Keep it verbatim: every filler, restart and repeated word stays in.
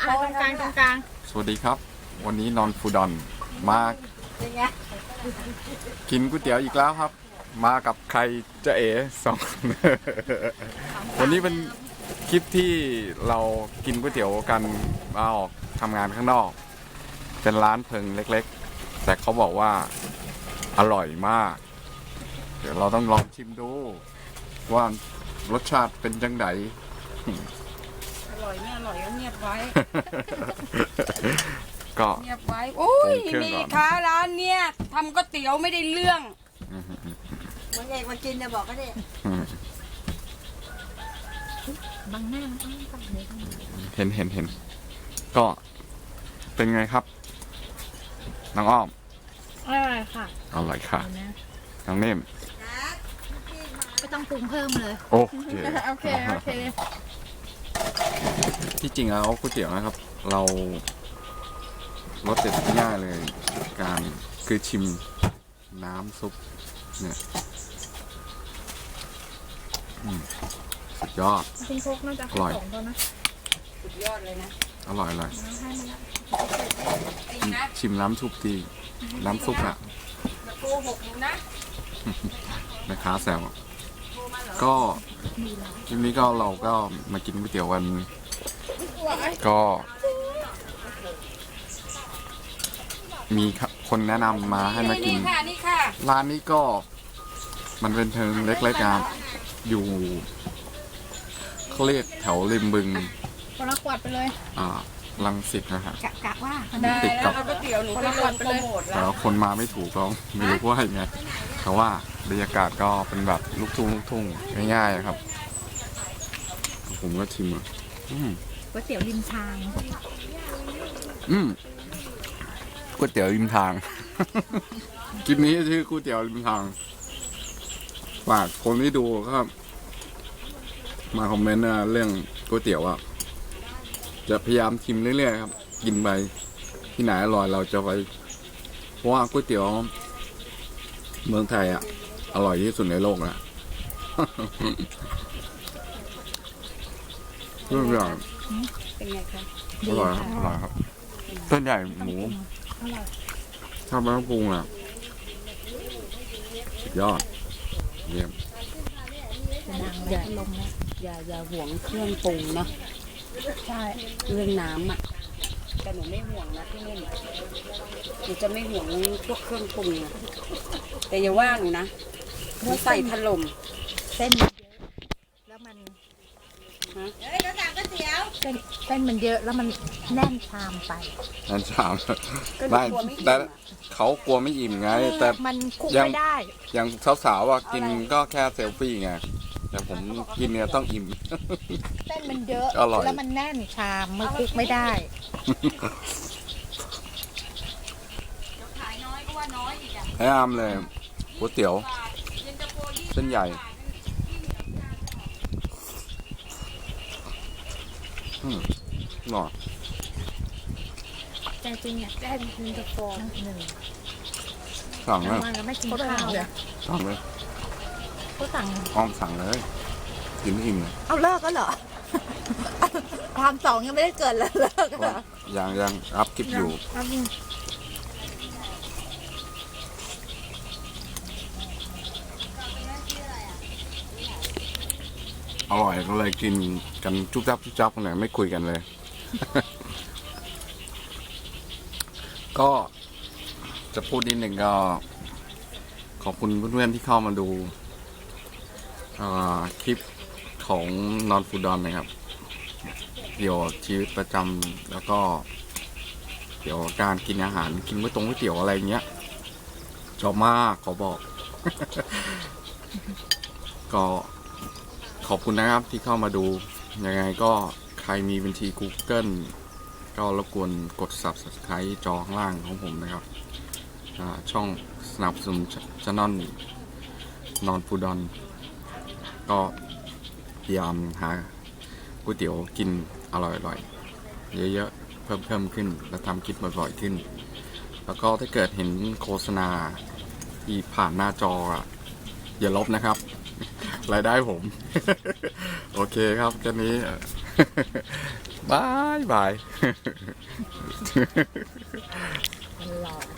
ตรงกลางตรงกลางสวัสดีครับวันนี้นอนฟูดอนมากินก๋วยเตี๋ยวอีกแล้วครับมากับใครจะเอ๋สอง วันนี้เป็นคลิปที่เรากินก๋วยเตี๋ยวกันมาออกทำงานข้างนอกเป็นร้านเพิงเล็กๆแต่เขาบอกว่าอร่อยมากเดี๋ยวเราต้องลองชิมดูว่ารสชาติเป็นจังไดอร่อยไม่อร่อยก็เงียบไว้ก็เงียบไว้โอ้ยนี่ค่ะร้านเนี้ยทำก๋วยเตี๋ยวไม่ได้เรื่องมันเอกมากินจะบอกก็ได้บางหน้ามันต้องตัดเลยเห็นเห็นเห็นก็เป็นไงครับน้องอ้อมอร่อยค่ะอร่อยค่ะน้องเนมไม่ต้องปรุงเพิ่มเลยโอเคโอเคโอเคที่จริงแล้วก๋วยเตี๋ยวนะครับเรารสเด็ดง่ายเลยการคือชิมน้ำซุปเนี่ยสุดยอดจริงโคกน่าจะอร่อยนะสุดยอดเลยนะอร่อยเลยชิมน้ำซุปดีน้ำซุปอะโกหกนะแม่ค้าแซวก็ทีนี้ก็เราก็มากินก๋วยเตี๋ยวกันก็มีคนแนะนำมาให้มากินร้านนี้ก็มันเป็นเพิงเล็กๆครับอยู่เขาเรียกแถวริมบึงคนละขวดไปเลยอ่ารังสิตนะฮะกะว่าติดกับก๋วยเตี๋ยวหนูคนละขวดไปเลยแต่คนมาไม่ถูกก็ไม่รู้ว่ายังไงแต่ว่าบรรยากาศก็เป็นแบบลูกทุ่งลูกทุ่งง่ายๆครับผมก็ชิมอ่ะก๋วยเตี๋ยวริมทางอืมก๋วยเตี๋ยวริมทางคลิปนี้ชื่อก๋วยเตี๋ยวริมทางฝากคนที่ดูครับมาคอมเมนต์นะเรื่องก๋วยเตี๋ยวอ่ะจะพยายามชิมเรื่อยๆครับกินไปที่ไหนอร่อยเราจะไปเพราะว่าก๋วยเตี๋ยวเมืองไทยอ่ะอร่อยที่สุดในโลกนะเรื่องอย่างเป็นไงคะอร่อยครับอร่อยครับเส้นใหญ่หมูชอบไม่ต้องปรุงอ่ะสุดยอดเยี่ยมอย่าลงนะอย่าอย่าห่วงเครื่องปรุงเนาะใช่เรื่องน้ำอ่ะแต่หนูไม่ห่วงนะพี่เล่นหนูจะไม่ห่วงพวกเครื่องปรุงนะแต่อย่าว่าหนูนะหนูใส่ถล่มเส้นเยอะแล้วมันฮะเฮ้ยเราสั่งก๋วยเตี๋ยวเส้นเส้นมันเยอะแล้วมันแน่นชามไปแน่นชามไม่แต่เขากลัวไม่อิ่มไงแต่มันคุมไม่ได้อย่างสาวๆว่ากินก็แค่เซลฟี่ไงแต่ผมกินเนี่ยต้องอิ่มเส้นมันเยอะแล้วมันแน่นชามมันคุกไม่ได้แนะนำเลยก๋วยเตี๋ยวเส้นใหญ่อืมหน่อยแต่จริงเนี่ยแค่ยินตะโฟหนึ่งสั่งเลยไม่กินข้าวเลยสั่งเลยก็สั่งอ้อมสั่งเลยกินอิ่มเลยเอาเลิกก็เหรอทำสองยังไม่ได้เกิดเลยเลิกเหรอยังยังรับคลิปอยู่อร่อยก็เลยกินกันจุ๊บจับจุ๊บจับกันเลยไม่คุยกันเลย ก็จะพูดนิดหนึ่งก็ขอบคุณเพื่อนๆที่เข้ามาดูคลิปของนอนฟูดอนนะครับเกี่ยวกับชีวิตประจำแล้วก็เกี่ยวกับการกินอาหารกินก๋วยตงก๋วยเตี๋ยวอะไรเงี้ยชอบมากขอบอก ก็ขอบคุณนะครับที่เข้ามาดูยังไงก็ใครมีบัญชี Google ก็รบกวนกด ซับสไครบ์ จอข้างล่างของผมนะครับช่องสนับสนุนช่องนอนฟูดอนก็พยายามหาก๋วยเตี๋ยวกินอร่อยๆเยอะๆเพิ่มเพิ่มขึ้นและทำคลิปบ่อยๆขึ้นแล้วก็ถ้าเกิดเห็นโฆษณาที่ผ่านหน้าจออย่าลบนะครับรายได้ผม โอเคครับแค่นี้บายบายหลอก